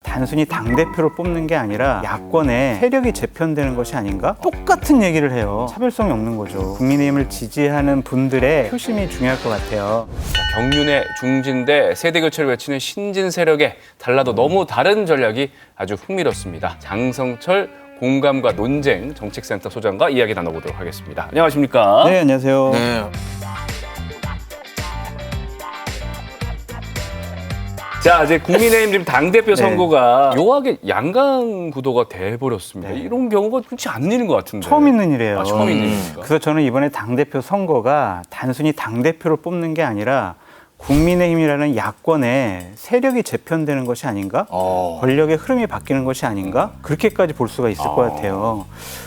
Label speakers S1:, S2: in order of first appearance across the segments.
S1: 단순히 당대표를 뽑는 게 아니라 야권에 세력이 재편되는 것이 아닌가? 똑같은 얘기를 해요. 차별성이 없는 거죠. 국민의힘을 지지하는 분들의 표심이 중요할 것 같아요.
S2: 경륜의 중진대 세대교체를 외치는 신진 세력에 달라도 너무 다른 전략이 아주 흥미롭습니다. 장성철 공감과 논쟁 정책센터 소장과 이야기 나눠보도록 하겠습니다. 안녕하십니까?
S1: 네, 안녕하세요.
S3: 네.
S2: 자, 이제 국민의힘 지금 당대표 선거가 묘하게 양강 구도가 돼버렸습니다. 이런 경우가 흔치 않은 일인 것 같은데.
S1: 처음 있는 일이에요.
S2: 처음 있는 일입니까?
S1: 그래서 저는 이번에 당대표 선거가 단순히 당대표를 뽑는 게 아니라 국민의힘이라는 야권에 세력이 재편되는 것이 아닌가? 권력의 흐름이 바뀌는 것이 아닌가? 그렇게까지 볼 수가 있을 것 같아요.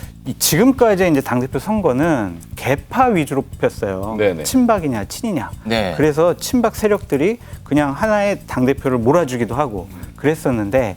S1: 지금까지 이제 당대표 선거는 개파 위주로 뽑혔어요.
S2: 네네.
S1: 친박이냐 친이냐.
S3: 네.
S1: 그래서 친박 세력들이 그냥 하나의 당대표를 몰아주기도 하고 그랬었는데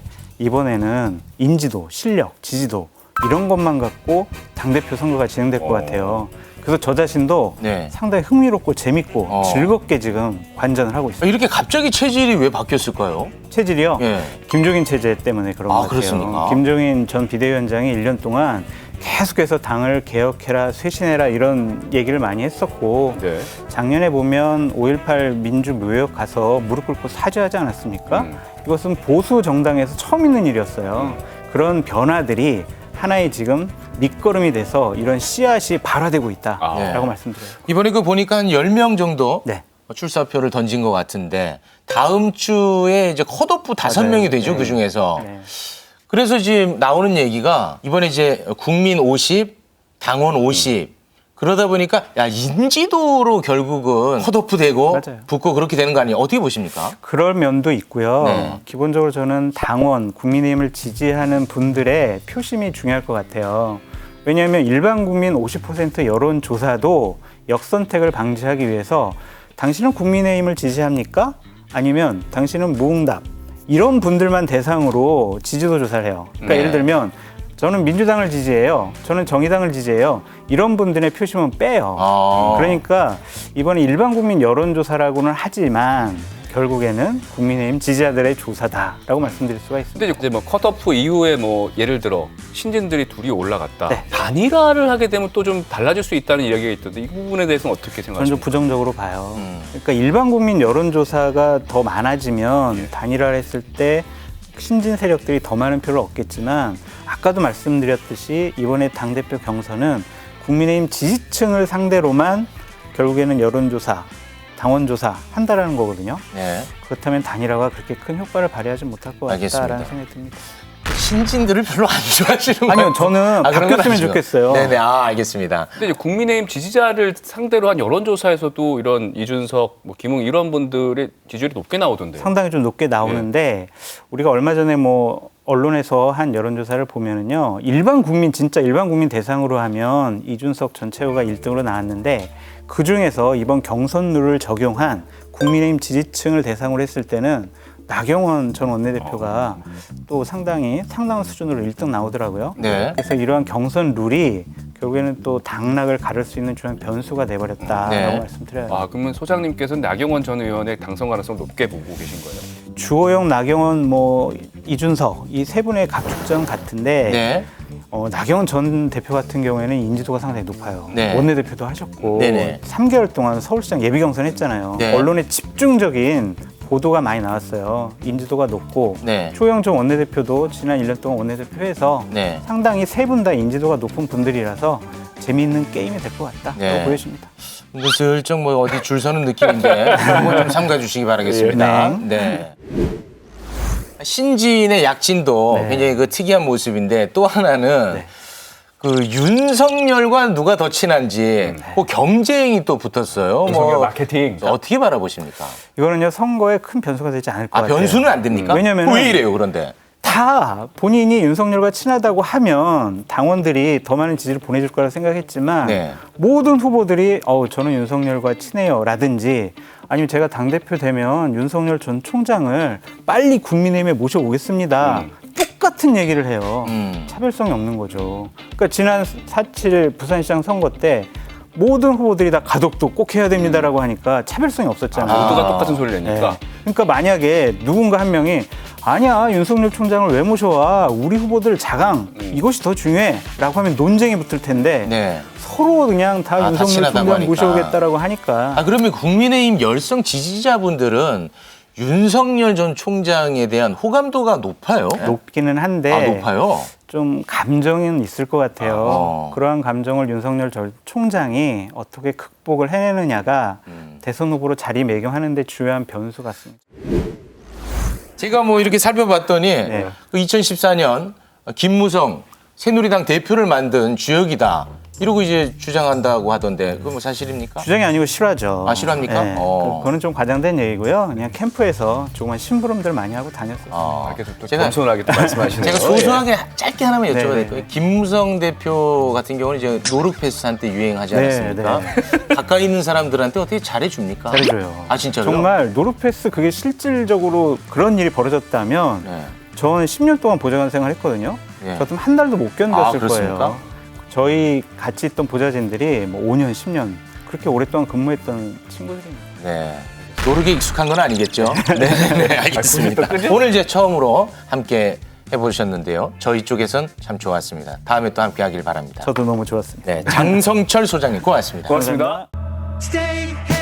S1: 이번에는 인지도, 실력, 지지도 이런 것만 갖고 당대표 선거가 진행될 것 같아요. 그래서 저 자신도
S3: 네.
S1: 상당히 흥미롭고 재밌고 즐겁게 지금 관전을 하고 있습니다.
S3: 이렇게 갑자기 체질이 왜 바뀌었을까요?
S1: 체질이요?
S3: 예.
S1: 김종인 체제 때문에 그런 것 같아요.
S3: 그렇습니까?
S1: 김종인 전 비대위원장이 1년 동안 계속해서 당을 개혁해라, 쇄신해라 이런 얘기를 많이 했었고
S2: 네.
S1: 작년에 보면 5.18 민주묘역 가서 무릎 꿇고 사죄하지 않았습니까? 이것은 보수 정당에서 처음 있는 일이었어요. 그런 변화들이 하나의 지금 밑거름이 돼서 이런 씨앗이 발화되고 있다라고 말씀드려요.
S3: 이번에 보니까 한 10명 정도
S1: 네.
S3: 출사표를 던진 것 같은데 다음 주에 이제 컷오프 5명이 되죠,
S1: 네.
S3: 그중에서.
S1: 네.
S3: 그래서 지금 나오는 얘기가 이번에 이제 국민 50, 당원 50 그러다 보니까 야 인지도로 결국은 컷오프 되고
S1: 맞아요.
S3: 붙고 그렇게 되는 거 아니에요? 어떻게 보십니까?
S1: 그럴 면도 있고요.
S3: 네.
S1: 기본적으로 저는 당원, 국민의힘을 지지하는 분들의 표심이 중요할 것 같아요. 왜냐하면 일반 국민 50% 여론조사도 역선택을 방지하기 위해서 당신은 국민의힘을 지지합니까? 아니면 당신은 무응답 이런 분들만 대상으로 지지도 조사를 해요. 그러니까
S3: 네.
S1: 예를 들면 저는 민주당을 지지해요. 저는 정의당을 지지해요. 이런 분들의 표심은 빼요. 그러니까 이번에 일반 국민 여론조사라고는 하지만 결국에는 국민의힘 지지자들의 조사다라고 말씀드릴 수가 있습니다.
S2: 근데 이제 뭐 컷오프 이후에 뭐 예를 들어 신진들이 둘이 올라갔다.
S1: 네.
S2: 단일화를 하게 되면 또 좀 달라질 수 있다는 이야기가 있던데 이 부분에 대해서는 어떻게
S1: 저는 좀
S2: 생각하십니까?
S1: 부정적으로 봐요. 그러니까 일반 국민 여론조사가 더 많아지면 단일화를 했을 때 신진 세력들이 더 많은 표를 얻겠지만 아까도 말씀드렸듯이 이번에 당대표 경선은 국민의힘 지지층을 상대로만 결국에는 여론조사, 당원조사 한다라는 거거든요.
S3: 네.
S1: 그렇다면 단일화가 그렇게 큰 효과를 발휘하지 못할 것
S3: 알겠습니다.
S1: 같다라는 생각이 듭니다.
S3: 신진들을 별로 안 좋아하시는 거예요?
S1: 아니요, 저는
S3: 그런 건
S1: 바뀌었으면
S3: 아니죠.
S1: 좋겠어요.
S3: 네네, 알겠습니다.
S2: 근데 이제 국민의힘 지지자를 상대로 한 여론조사에서도 이런 이준석, 뭐 김웅 이런 분들의 지지율이 높게 나오던데요.
S1: 상당히 좀 높게 나오는데 우리가 얼마 전에 뭐 언론에서 한 여론조사를 보면은요, 진짜 일반 국민 대상으로 하면 이준석 전체호가 1등으로 나왔는데 그 중에서 이번 경선 룰을 적용한 국민의힘 지지층을 대상으로 했을 때는 나경원 전 원내대표가 또 상당한 수준으로 1등 나오더라고요.
S3: 네.
S1: 그래서 이러한 경선 룰이 결국에는 또 당락을 가를 수 있는 중요한 변수가 돼버렸다라고
S3: 네.
S1: 말씀드려요.
S2: 그러면 소장님께서는 나경원 전 의원의 당선 가능성 높게 보고 계신 거예요?
S1: 주호영, 나경원, 이준석 이 세 분의 각축전 같은데
S3: 네.
S1: 나경원 전 대표 같은 경우에는 인지도가 상당히 높아요.
S3: 네.
S1: 원내대표도 하셨고
S3: 네네.
S1: 3개월 동안 서울시장 예비경선 했잖아요.
S3: 네.
S1: 언론에 집중적인 보도가 많이 나왔어요. 인지도가 높고
S3: 네.
S1: 주호영 전 원내대표도 지난 1년 동안 원내대표해서
S3: 네.
S1: 상당히 세 분 다 인지도가 높은 분들이라서 재미있는 게임이 될 것 같다고
S3: 네.
S1: 보여집니다.
S3: 슬쩍 어디 줄 서는 느낌인데 한번 좀 삼가 주시기 바라겠습니다.
S1: 네.
S3: 네. 신진의 약진도
S1: 네.
S3: 굉장히 특이한 모습인데 또 하나는 윤석열과 누가 더 친한지 경쟁이 또 붙었어요.
S2: 윤석열 마케팅.
S3: 어떻게 바라보십니까?
S1: 이거는요 선거에 큰 변수가 되지 않을 것 같아요.
S3: 변수는 안 됩니까?
S1: 왜냐면
S3: 왜 이래요, 그런데?
S1: 다 본인이 윤석열과 친하다고 하면 당원들이 더 많은 지지를 보내줄 거라 생각했지만
S3: 네.
S1: 모든 후보들이 저는 윤석열과 친해요 라든지 아니면 제가 당대표 되면 윤석열 전 총장을 빨리 국민의힘에 모셔오겠습니다. 똑같은 얘기를 해요. 차별성이 없는 거죠. 그러니까 지난 4.7 부산시장 선거 때 모든 후보들이 다 가덕도 꼭 해야 됩니다라고 하니까 차별성이 없었잖아요.
S2: 모두가 똑같은 소리를 내니까.
S1: 네. 그러니까 만약에 누군가 한 명이 아니야, 윤석열 총장을 왜 모셔와? 우리 후보들 자강 이것이 더 중요해라고 하면 논쟁이 붙을 텐데
S3: 네.
S1: 서로 그냥 다
S3: 다
S1: 윤석열
S3: 친하다고
S1: 총장
S3: 하니까.
S1: 모셔오겠다라고 하니까
S3: 아, 그러면 국민의힘 열성 지지자분들은 윤석열 전 총장에 대한 호감도가 높아요?
S1: 높기는 한데
S3: 아, 높아요?
S1: 좀 감정은 있을 것 같아요.
S3: 어.
S1: 그러한 감정을 윤석열 전 총장이 어떻게 극복을 해내느냐가 대선 후보로 자리매김하는 데 중요한 변수 같습니다.
S3: 제가 뭐 이렇게 살펴봤더니
S1: 네.
S3: 그 2014년 김무성 새누리당 대표를 만든 주역이다. 이러고 이제 주장한다고 하던데 그건 뭐 사실입니까?
S1: 주장이 아니고 실화죠.
S3: 아, 실화입니까?
S1: 네.
S3: 어.
S1: 그거는 좀 과장된 얘기고요. 그냥 캠프에서 조그만 심부름들 많이 하고 다녔었어요.
S3: 아,
S2: 이렇게 또
S3: 제가
S2: 겸손하게 또 말씀하시네요.
S3: 제가 소소하게 짧게 하나만 여쭤봐도
S1: 네.
S3: 될까요? 김무성 대표 같은 경우는 이제 노르패스 한때 유행하지
S1: 네,
S3: 않았습니까? 가까이 있는 사람들한테 어떻게 잘해줍니까?
S1: 잘해줘요.
S3: 아, 진짜요?
S1: 정말 노르패스 그게 실질적으로 그런 일이 벌어졌다면
S3: 네.
S1: 저는 10년 동안 보좌관 생활했거든요.
S3: 네.
S1: 저 같으면 한 달도 못
S3: 아,
S1: 견뎠을
S3: 그렇습니까?
S1: 거예요. 저희 같이 있던 보좌진들이 뭐 5년, 10년 그렇게 오랫동안 근무했던 친구들입니다.
S3: 네. 노르게 익숙한 건 아니겠죠? 네, 알겠습니다. 오늘 이제 처음으로 함께 해보셨는데요. 저희 쪽에선 참 좋았습니다. 다음에 또 함께 하길 바랍니다.
S1: 저도 너무 좋았습니다.
S3: 네, 장성철 소장님 고맙습니다.
S2: 고맙습니다.
S1: 감사합니다.
S4: Stay